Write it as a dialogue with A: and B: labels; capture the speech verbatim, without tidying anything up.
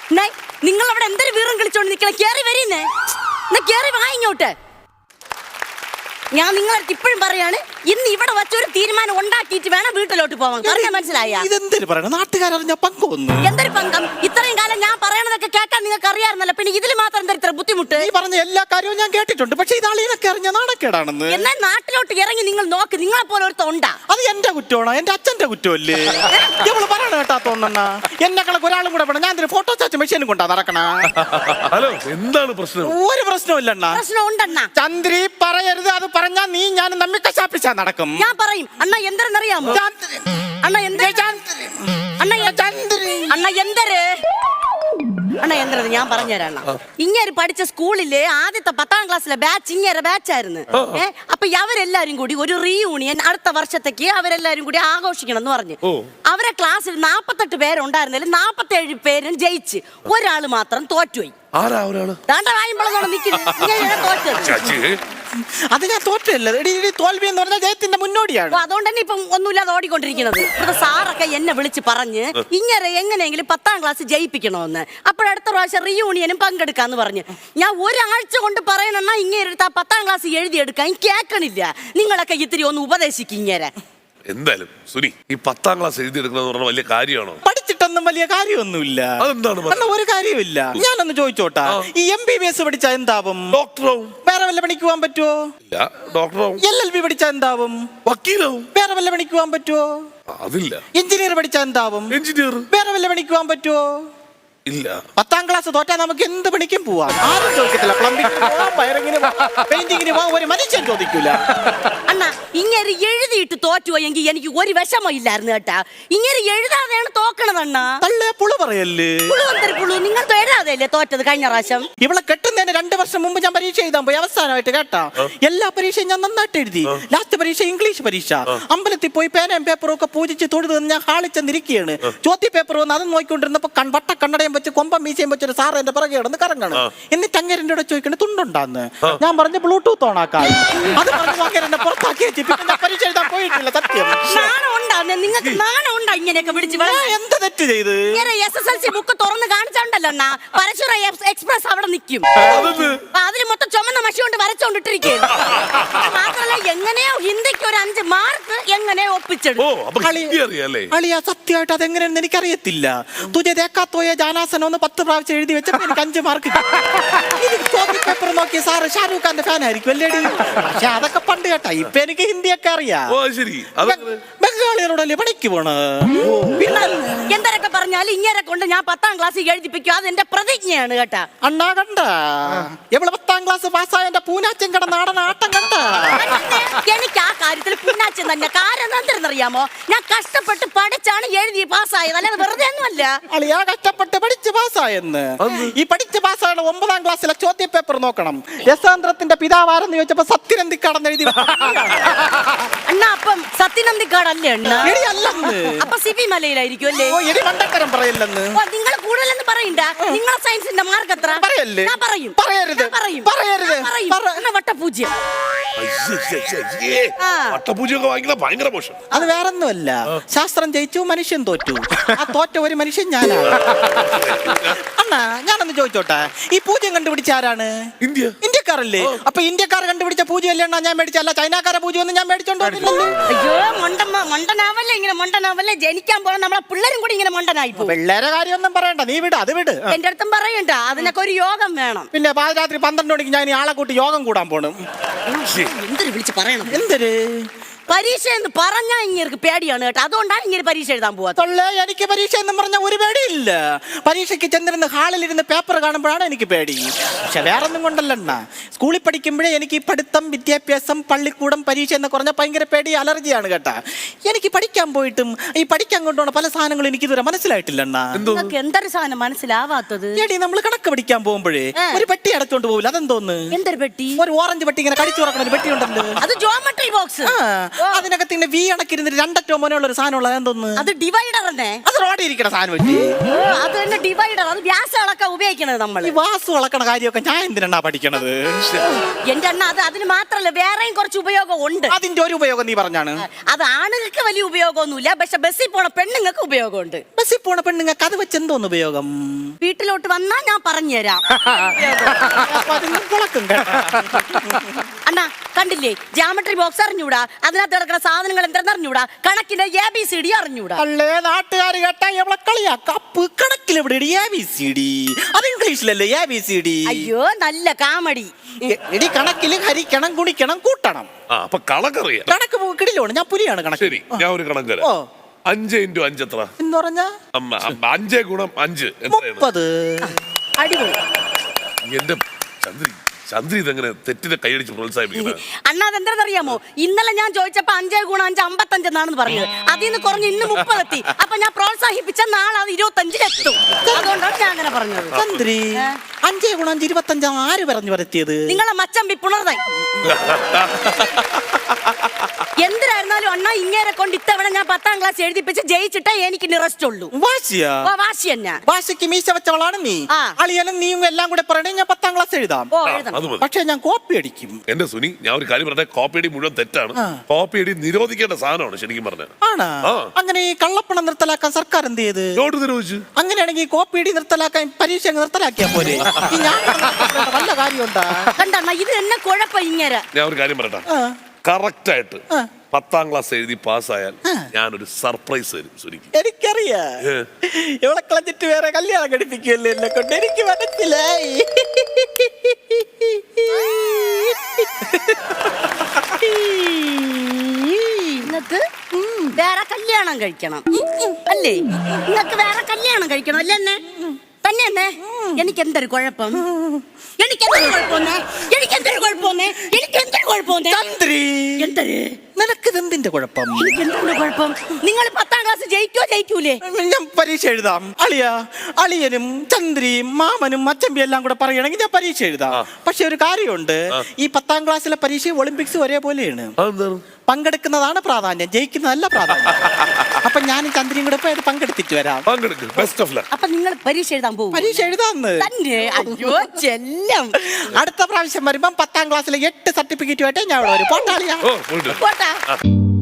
A: നിങ്ങൾ അവിടെ എന്തൊരു വീറും കളിച്ചോണ്ട് നിൽക്കണ? കേറി വരുന്നേ, കേറി വാ ഇങ്ങോട്ട്. ഞാൻ നിങ്ങളടുത്ത് ഇപ്പോഴും പറയാണ്, ഇന്ന് ഇവിടെ വച്ചൊരു തീരുമാനം ഉണ്ടാക്കിയിട്ട് വേണം വീട്ടിലോട്ട് പോവാൻ. പറഞ്ഞാൽ മനസ്സിലായ?
B: ഇതെന്തൊരു പറയണം, നാട്ടുകാരറിഞ്ഞ പങ്കൊന്നു.
A: എന്തൊരു പങ്കം? ഇത്രയും കാലം ഞാൻ പറയണതൊക്കെ കേട്ടാൽ നിങ്ങൾക്ക് അറിയാറുന്നല്ലോ, പിന്നെ ഇതിൽ മാത്രം എന്താ ഇത്ര ബുദ്ധിമുട്ട്?
B: നീ പറഞ്ഞ എല്ലാ കാര്യവും ഞാൻ കേട്ടിട്ടുണ്ട്, പക്ഷെ ഇതാളീനൊക്കെ അറിഞ്ഞ നാണക്കേടാണെന്ന്.
A: എന്നാൽ നാട്ടിലോട്ട് ഇറങ്ങി നിങ്ങൾ നോക്ക്, നിങ്ങളെ പോലെ ഒരുത്ത ഉണ്ടാ.
B: അത് എന്റെ കുറ്റമാണോ? എന്റെ അച്ഛന്റെ കുറ്റമല്ലേ? ഇവള് പറയണ കേട്ടാത്തോണ്ണ എന്നെ കണക്ക് ഒരാളും കൂടെ വേണം. ഞാൻ ഫോട്ടോ ചാച്ച മെഷീനും കൊണ്ടാ നടക്കണ.
C: ഹലോ, എന്താണ് പ്രശ്നം?
B: ഒരു പ്രശ്നമില്ലണ്ണ.
A: പ്രശ്നം ഉണ്ടെണ്ണ.
B: ചന്ദ്രി പറയരുത്, അത് പറഞ്ഞാ നീ ഞാൻ നമ്മി കശാപ്പിച്ചാ നടക്കും.
A: ഞാൻ പറയും. അണ്ണ എന്തെന്നറിയാമോ? അണ്ണ എന്ത് അണ്ണ അണ്ണ എന്തര് അണ്ണ എന്തത് ഞാൻ പറഞ്ഞുതരാം. ഇങ്ങനെ പഠിച്ച സ്കൂളിലെ ആദ്യത്തെ പത്താം ക്ലാസ്സിലെ ബാച്ച് ഇങ്ങനെ ബാച്ചായിരുന്നു. ഏഹ് അപ്പൊ അവരെല്ലാരും കൂടി ഒരു റീയൂണിയൻ അടുത്ത വർഷത്തേക്ക് അവരെല്ലാരും കൂടി ആഘോഷിക്കണം എന്ന് പറഞ്ഞു. അവരെ ക്ലാസ്സിൽ നാപ്പത്തെട്ട് പേരുണ്ടായിരുന്നതിൽ നാപ്പത്തേഴ് പേരും ജയിച്ച്, ഒരാള് മാത്രം തോറ്റുപോയി.
B: അത് ഞാൻ തോറ്റല്ല, തോൽവി എന്ന് പറഞ്ഞാൽ ജയത്തിന്റെ മുന്നോടിയാണ്.
A: അതുകൊണ്ട് തന്നെ ഇപ്പം ഒന്നുമില്ലാതെ ഓടിക്കൊണ്ടിരിക്കുന്നത്. സാറൊക്കെ എന്നെ വിളിച്ച് പറഞ്ഞ് ഇങ്ങനെ എങ്ങനെയെങ്കിലും പത്താം ക്ലാസ് ജയിപ്പിക്കണമെന്ന്. അപ്പോഴടുത്ത പ്രാവശ്യം റീയൂണിയനും പങ്കെടുക്കാന്ന് പറഞ്ഞ് ഞാൻ ഒരാഴ്ച കൊണ്ട് പറയണെന്നാ ഇങ്ങനെ എടുത്ത് ആ പത്താം ക്ലാസ് എഴുതിയെടുക്കാൻ കേൾക്കണില്ല. നിങ്ങളൊക്കെ ഇത്തിരി ഒന്ന് ഉപദേശിക്കും ഇങ്ങനെ.
C: എന്തായാലും സുനി, ഈ പത്താം ക്ലാസ് എഴുതിയെടുക്കണമെന്ന് പറഞ്ഞ വലിയ കാര്യമാണോ?
B: പഠിച്ചിട്ടൊന്നും വലിയ കാര്യമൊന്നുമില്ല.
C: അതെന്താണ്?
B: ഒരു കാര്യമില്ല. ഞാനൊന്ന് ചോദിച്ചോട്ടാ, ഈ എം ബി ബി എസ് പഠിച്ചാ എന്താവും?
C: ഡോക്ടറാവും.
B: വേറെ വല്ല പണിക്ക് പോകാൻ പറ്റുമോ?
C: ഇല്ല, ഡോക്ടറാവും.
B: എൽ എൽ ബി പഠിച്ചാ എന്താവും?
C: വക്കീലാവും.
B: വേറെ വല്ല പണിക്ക് പോകാൻ പറ്റുമോ?
C: അതില്ല.
B: എഞ്ചിനീയർ പഠിച്ചാ എന്താവും?
C: എഞ്ചിനീയർ.
B: വേറെ വല്ല പണിക്ക് പോകാൻ പറ്റുമോ?
C: ഇല്ല.
B: പത്താം ക്ലാസ് തോറ്റാ നമുക്ക് എന്ത് പണിക്കും പോവാം. ആരും ചോദിക്കത്തില്ല. പ്ലംബിംഗിന് പോവാം, വയറിങ്ങിന് പോവാം, പെയിന്റിങ്ങിന് പോവാം, ഒരു മനുഷ്യൻ ചോദിക്കൂല.
A: അണ്ണാ ഇങ്ങനെ എഴുതിയിട്ട് തോറ്റുപോയെങ്കിൽ എനിക്ക് ഒരു വിഷമം ഇല്ലായിരുന്നു കേട്ടാ. ഇങ്ങനെ എഴുതാതെയാണ് തോക്കണതണ്ണാ.
B: തള്ളേ പുളു പറയല്ലേ?
A: പുളു നിങ്ങൾ എഴുതാതെയല്ലേ തോറ്റത് കഴിഞ്ഞ പ്രാവശ്യം?
B: ഇവളെ കെട്ടുന്നതിന് രണ്ട് വർഷം മുമ്പ് ഞാൻ പരീക്ഷ എഴുതാൻ പോയി. അവസാനമായിട്ട് കേട്ടാ, എല്ലാ പരീക്ഷയും ഞാൻ നന്നായിട്ട് എഴുതി. ലാസ്റ്റ് പരീക്ഷ ഇംഗ്ലീഷ് പരീക്ഷ. അമ്പലത്തിൽ പോയി പേനയും പേപ്പറും ഒക്കെ പൂജിച്ച് തൊഴുത് ഞാൻ ഹാളിച്ചെന്നിരിക്കുകയാണ്. ചോദ്യ പേപ്പർ വന്ന് അത് നോക്കിക്കൊണ്ടിരുന്നപ്പോ വട്ട കണ്ണടയും വെച്ച് കൊമ്പം മീശയും വെച്ചൊരു സാറ് എന്റെ പിറകെ കിടന്ന് കറങ്ങണം. എന്നിട്ട് അങ്ങേരൻ്റെ കൂടെ ചോദിക്കണേ തുണ്ടുണ്ടാന്ന്. ഞാൻ പറഞ്ഞു ബ്ലൂടൂത്ത് ഓണാക്കാൻ. അത് പറഞ്ഞു അങ്ങേരനെ പുറത്താക്കി വെച്ച് പിന്നെ പരീക്ഷ എഴുതാൻ പോയിട്ടില്ല. സത്യം
A: നിങ്ങൾക്ക് നാണം ഉണ്ടാ ഇങ്ങനെയൊക്കെ പിടിച്ച്?
B: എന്ത് തെറ്റ് ചെയ്ത്?
A: S S L C book തുറന്ന് കാണിച്ചോണ്ടല്ലോ അണ്ണാ പരശുര എക്സ്പ്രസ് അവിടെ നിൽക്കും. അതിന് മൊത്തം ചുമന്ന മഷി കൊണ്ട് വരച്ചോണ്ടിട്ടിരിക്കും. മാത്രല്ല എങ്ങനെയോ ഹിന്ദിക്ക് ഒരു അഞ്ച് മാർക്ക് എങ്ങനെയോ ഒപ്പിച്ചെടുക്കും.
B: സത്യമായിട്ട് അതെങ്ങനെയാണെന്ന് എനിക്കറിയത്തില്ല. തുജ ദേക്കാത്തോയ ജാനാസനോന്ന് പത്ത് പ്രാവശ്യം എഴുതി വെച്ചപ്പോ എനിക്ക് അഞ്ച് മാർക്ക്. ചോദ്യ പേപ്പർ നോക്കി സാറ് ഷാരൂഖ് ഖാന്റെ ഫാൻ ആയിരിക്കും അല്ലേടി? പക്ഷെ അതൊക്കെ പണ്ട് കേട്ടാ. ഇപ്പൊ എനിക്ക് ഹിന്ദിയൊക്കെ അറിയാം. ബംഗാളികളോടല്ലേ പണിക്ക് പോണ?
A: എന്തൊക്കെ പറഞ്ഞാലും ഇങ്ങനെ കൊണ്ട് ഞാൻ പത്താം ക്ലാസ് എഴുതിപ്പിക്കും. അത് എന്റെ പ്രതിജ്ഞയാണ് കേട്ടാ.
B: അണ്ണാ കണ്ട എവിടെ പത്താം ക്ലാസ് പാസ്സായ എന്റെ പൂനാച്ചൻ കട നാടൻ ആട്ടം കണ്ട.
A: എനിക്ക് ആ കാര്യത്തിൽ പൂനാച്ചൻ തന്നെ. കാരണം എന്തെന്നറിയാമോ? ഞാൻ കഷ്ടപ്പെട്ട് പഠിച്ചാണ് എഴുതി പാസ്സായത്, അല്ലാതെ വെറുതെ ഒന്നുമല്ല.
B: അളിയാ കഷ്ടപ്പെട്ട് പഠിച്ച് പാസ്സായെന്ന്. ഈ പഠിച്ച് പാസ്സായ ഒമ്പതാം ക്ലാസ്സിലെ ചോദ്യ പേപ്പർ നോക്കണം. യശാന്ത്രത്തിന്റെ പിതാവാരെന്ന് ചോദിച്ചപ്പോ സത്യനന്ദിക്കാടെന്ന് എഴുതി.
A: അണ്ണാ അപ്പം സത്യനന്ദിക്കാടല്ലേ അണ്ണാ? അപ്പൊ സിബി മലയിലായിരിക്കും അല്ലേ?
B: പറയല്ലെന്ന്
A: നിങ്ങൾ കൂടുതലെന്ന് പറയണ്ട. നിങ്ങളെ സയൻസിന്റെ മാർക്ക് എത്ര?
B: പറയല്ലേ?
A: ഞാൻ പറയും.
B: പറയരുത്
A: പറയും
B: പറയരുത്.
A: വട്ടപൂജ്യം.
C: വട്ടപൂജ്യമൊക്കെ വാങ്ങിക്കുന്ന ഭയങ്കര മോശം.
B: അത് വേറൊന്നുമല്ല, ശാസ്ത്രം ജയിച്ചു മനുഷ്യൻ തോറ്റു. ആ തോറ്റ ഒരു മനുഷ്യൻ ഞാനാണ്. അണ്ണാ ഞാനൊന്ന് ചോദിച്ചോട്ടെ, ഈ പൂജ്യം കണ്ടുപിടിച്ച ആരാണ്?
C: ഇന്ത്യ.
B: ഇന്ത്യക്കാരല്ലേ? അപ്പൊ ഇന്ത്യക്കാർ കണ്ടുപിടിച്ച പൂജ്യം അല്ലേ അണ്ണാ ഞാൻ മേടിച്ചല്ല? ചൈനക്കാരെ പൂജ്യം ഒന്നും ഞാൻ മേടിച്ചോണ്ടോ?
A: അയ്യോ മണ്ടമ്മ മണ്ടനാവല്ലേ ഇങ്ങനെ മണ്ടനാവല്ലേ. ജനിക്കാൻ പോണ നമ്മളെ പിള്ളേരും കൂടി ഇങ്ങനെ മണ്ടനായി പോകും.
B: പിള്ളേരെ കാര്യമൊന്നും പറയണ്ട, നീ വിട്, അത് വിട്.
A: എന്റെ അടുത്തും പറയണ്ട, അതിനൊക്കെ ഒരു യോഗം വേണം.
B: പിന്നെ പാതിരാത്രി പന്ത്രണ്ട് മണിക്ക് ഞാൻ ആളെ കൂട്ടി യോഗം കൂടാൻ പോണം.
A: എന്തൊരു വിളിച്ച് പറയണം?
B: എന്തൊരു
A: പരീക്ഷ എന്ന് പറഞ്ഞാൽ ഇങ്ങനെ പേടിയാണ് കേട്ടോ. അതുകൊണ്ടാണ് ഇങ്ങനെ പരീക്ഷ എഴുതാൻ പോവാ.
B: എനിക്ക് പരീക്ഷ എന്ന് പറഞ്ഞാൽ ഒരു പേടിയില്ല. പരീക്ഷയ്ക്ക് ചെന്നിരുന്ന് ഹാളിലിരുന്ന് പേപ്പർ കാണുമ്പോഴാണ് എനിക്ക് പേടി. പക്ഷെ വേറൊന്നും കൊണ്ടല്ലണ്ണ, സ്കൂളിൽ പഠിക്കുമ്പോഴേ എനിക്ക് ഈ പഠിത്തം, വിദ്യാഭ്യാസം, പള്ളിക്കൂടം, പരീക്ഷ എന്ന് പറഞ്ഞാൽ ഭയങ്കര പേടി, അലർജിയാണ് കേട്ടാ. എനിക്ക് പഠിക്കാൻ പോയിട്ടും ഈ പഠിക്കാൻ കൊണ്ടുപോണ പല സാധനങ്ങളും എനിക്ക് ഇതുവരെ മനസ്സിലായിട്ടില്ലണ്ണ.
A: എന്തൊരു സാധനം മനസ്സിലാവാത്തത്?
B: എടി നമ്മൾ കണക്ക് പഠിക്കാൻ പോകുമ്പോഴേ ഒരു പെട്ടി അടച്ചോണ്ട് പോകില്ല, അതെന്തോന്ന്?
A: എന്തൊരു പെട്ടി?
B: ഒരു ഓറഞ്ച് പെട്ടി ഇങ്ങനെ കടിച്ചു തുറക്കണ ഒരു പെട്ടി ഉണ്ടല്ലോ,
A: അത് ജോമെട്രി ബോക്സ്.
B: അതിനകത്ത് ഇങ്ങനെ വി അണക്കിരുന്നിട്ട് രണ്ടറ്റോ മോനുള്ള ഒരു സാധനം ഉള്ളത് എന്തോന്ന്
A: അത് ഡിവൈഡർ തന്നെ.
B: അത് റോഡിൽ ഇരിക്കണ സാധനം പറ്റി
A: അത് തന്നെ ഡിവൈഡർ. അത് വ്യാസം അളക്കാൻ ഉപയോഗിക്കണത് നമ്മള്.
B: ഈ വാസു അളക്കണ കാര്യമൊക്കെ ഞാൻ എന്തിനാ പഠിക്കണത്?
A: എന്റെ അണ്ണ അത് അതിന് മാത്രല്ല വേറെയും കുറച്ച് ഉപയോഗം ഉണ്ട്.
B: അതിന്റെ ഒരു ഉപയോഗം നീ പറഞ്ഞാണ്.
A: അത് ആണുങ്ങൾക്ക് വലിയ ഉപയോഗമൊന്നുമില്ല, പക്ഷെ ബസ്സിൽ പോണ പെണ്ണുങ്ങൾക്ക് ഉപയോഗമുണ്ട്.
B: ബസ്സിൽ പോണ പെണ്ണുങ്ങൾക്ക് അത് വെച്ച് എന്തോന്ന് ഉപയോഗം?
A: വീട്ടിലോട്ട് വന്നാ ഞാൻ പറഞ്ഞുതരാം.
B: അപ്പൊ അതിന് കുളക്കും കേട്ടോ.
A: അണ്ണാ കണ്ടില്ലേ, ജാമട്രി ബോക്സ് അറിഞ്ഞൂടാ, അതിനകത്ത് കിടക്കുന്ന സാധനങ്ങൾ എന്തെന്ന് അറിഞ്ഞൂടാ, കണക്കിന്റെ എ ബി സി ഡി അറിഞ്ഞൂടാ.
B: അല്ലേ നാട്ടുകാർ കേട്ടാ എവിടെ കളിയാ കപ്പ് കണക്കിൽ എവിടെ എ ബി സി ഡി? അത് ഇംഗ്ലീഷിലല്ലേ എ ബി സി ഡി?
A: അയ്യോ നല്ല കാമഡി.
B: എടി കണക്കിൽ ഹരിക്കണം ഗുണിക്കണം കൂട്ടണം.
C: ആ അപ്പൊ കണക്കറിയാം.
B: കണക്ക് കിടിലോണ്, ഞാൻ പുലിയാണ് കണക്ക്.
C: ശരി, ഞാൻ ഒരു കണക്ക് തരാം.
B: ഓ
C: അഞ്ച് ഇൻറ്റു അഞ്ച് എത്ര?
B: എന്ന് പറഞ്ഞാ
C: അമ്മ, അമ്മ, അഞ്ചേ ഗുണം അഞ്ച് എത്രയാണ്?
B: മുപ്പത്.
A: അടിപൊളി.
C: എന്റെ ചന്ദ്രി ചന്ദ്രി ഇതെങ്ങനെ തെറ്റിനെ കൈയടിച്ച് പ്രോത്സാഹിപ്പിക്കുന്നത്?
A: അണ്ണാ അതെന്താണെന്നറിയാമോ, ഇന്നലെ ഞാൻ ചോദിച്ചപ്പോ അഞ്ചേ ഗുണം അഞ്ച് അമ്പത്തഞ്ചെന്നാണെന്ന് പറഞ്ഞത്. അതിൽ നിന്ന് കുറഞ്ഞ് ഇന്ന് മുപ്പതെത്തി. അപ്പൊ ഞാൻ പ്രോത്സാഹിപ്പിച്ച നാളെ അത് ഇരുപത്തഞ്ചിലെത്തും. അതുകൊണ്ടാണ് ഞാൻ അങ്ങനെ പറഞ്ഞത്.
B: ചന്ദ്രി അഞ്ചേ ഗുണം അഞ്ച് ഇരുപത്തഞ്ചാ ആര് പറഞ്ഞു വരുത്തിയത്?
A: നിങ്ങളെ മച്ചമ്പി പുണർതായി. എന്തിനായിരുന്നാലും അണ്ണാ ഇങ്ങേരെ കൊണ്ട് ഇത്തവണ ഞാൻ പത്താം ക്ലാസ് എഴുതിപ്പിച്ച് ജയിച്ചിട്ടേ എനിക്ക് നിറസ്റ്റ് ഉള്ളൂ.
B: വാശിയാ?
A: ഓ, വാശി തന്നെ.
B: വാശിക്ക് മീശ വെച്ചവളാണ് നീ.
A: ആ.
B: അളിയനും നീയും എല്ലാം കൂടെ പറയണേ ഞാൻ പത്താം ക്ലാസ് എഴുതാം.
A: ഓ എഴുതണം.
C: അത് മതി.
B: പക്ഷെ ഞാൻ കോപ്പി അടിക്കും.
C: എന്റെ സുനി, ഞാൻ ഒരു കാര്യം പറഞ്ഞ, കോപ്പി അടി മുഴുവൻ തെറ്റാണ്.
B: ആ.
C: കോപ്പി അടി നിരോധിക്കേണ്ട സാധനമാണ് ശരിക്കും പറഞ്ഞത്.
B: ആണാ?
C: ആ.
B: അങ്ങനെ ഈ കള്ളപ്പണം നിർത്തലാക്കാൻ സർക്കാർ എന്ത് ചെയ്ത്?
C: നോട്ട് നിരോധിച്ചു.
B: അങ്ങനെയാണെങ്കിൽ കോപ്പി അടി നിർത്തലാക്കാൻ പരീക്ഷ അങ്ങ് നിർത്തലാക്കിയാ പോലെ. ഈ ഞാൻ വല്ല കാര്യമുണ്ടാ?
A: കണ്ടണ്ണ ഇത് എന്നെ കുഴപ്പം ഇങ്ങേരെ.
C: ഞാൻ ഒരു കാര്യം പറയട്ടെ,
B: ആ.
C: കറക്റ്റ് ആയിട്ട്
B: ആ.
C: പത്താം ക്ലാസ് എഴുതി പാസ്സായാൽ ഞാനൊരു സർപ്രൈസ് തരും സുനിക്ക്.
B: എനിക്കറിയാ ഇവളെ കളഞ്ഞിട്ട് വേറെ കല്യാണം കഴിപ്പിക്കുമല്ലോ എന്നെ കൊണ്ട്. എനിക്ക് മനസ്സിലായി.
A: നിങ്ങക്ക് വേറെ കല്യാണം കഴിക്കണം അല്ലേ? നിങ്ങക്ക് വേറെ കല്യാണം കഴിക്കണം അല്ലേ? എന്നെ തന്നെ എന്നെ എനിക്ക് എന്തൊരു കുഴപ്പം? എനിക്ക് എന്തൊരു കുഴപ്പമെന്നേ? എനിക്ക് എന്തൊരു കുഴപ്പമെന്നേ? എനിക്ക് എന്തൊരു കുഴപ്പമെന്നേ?
B: ചന്ദ്രി
A: എന്തൊരു
B: നിനക്കിത് എന്തിന്റെ കുഴപ്പം?
A: എനിക്ക് എന്തൊരു കുഴപ്പം? നിങ്ങൾ പത്താം ക്ലാസ് ജയിക്കോ ജയിക്കൂലേ?
B: ഞാൻ പരീക്ഷ എഴുതാം. അളിയ അളിയനും ചന്ദ്രിയും മാമനും അച്ചമ്പി എല്ലാം കൂടെ പറയുകയാണെങ്കിൽ ഞാൻ പരീക്ഷ എഴുതാം. പക്ഷെ ഒരു കാര്യമുണ്ട്, ഈ പത്താം ക്ലാസ്സിലെ പരീക്ഷ ഒളിമ്പിക്സ് ഒരേപോലെയാണ്.
C: അതെന്താണ്?
B: പങ്കെടുക്കുന്നതാണ് പ്രാധാന്യം, ജയിക്കുന്നതല്ല പ്രാധാന്യം. അപ്പൊ ഞാനും ചന്ദ്രിയും കൂടെ പോയത് പങ്കെടുത്തിട്ട് വരാം.
C: പങ്കെടുക്ക്. Best of luck.
A: അപ്പൊ നിങ്ങൾ പരീക്ഷ എഴുതാൻ പോകും?
B: പരീക്ഷ എഴുതാന്ന്
A: തന്നെ? അയ്യോ ചെല്ലം.
B: അടുത്ത പ്രാവശ്യം വരുമ്പം പത്താം ക്ലാസ്സിലെ എട്ട് സർട്ടിഫിക്കറ്റുമായിട്ട് ഞാൻ ഇവിടെ വരും. പോട്ടാളിയാ.
C: ഓ പോയിട്ട്.
A: പോട്ടാ.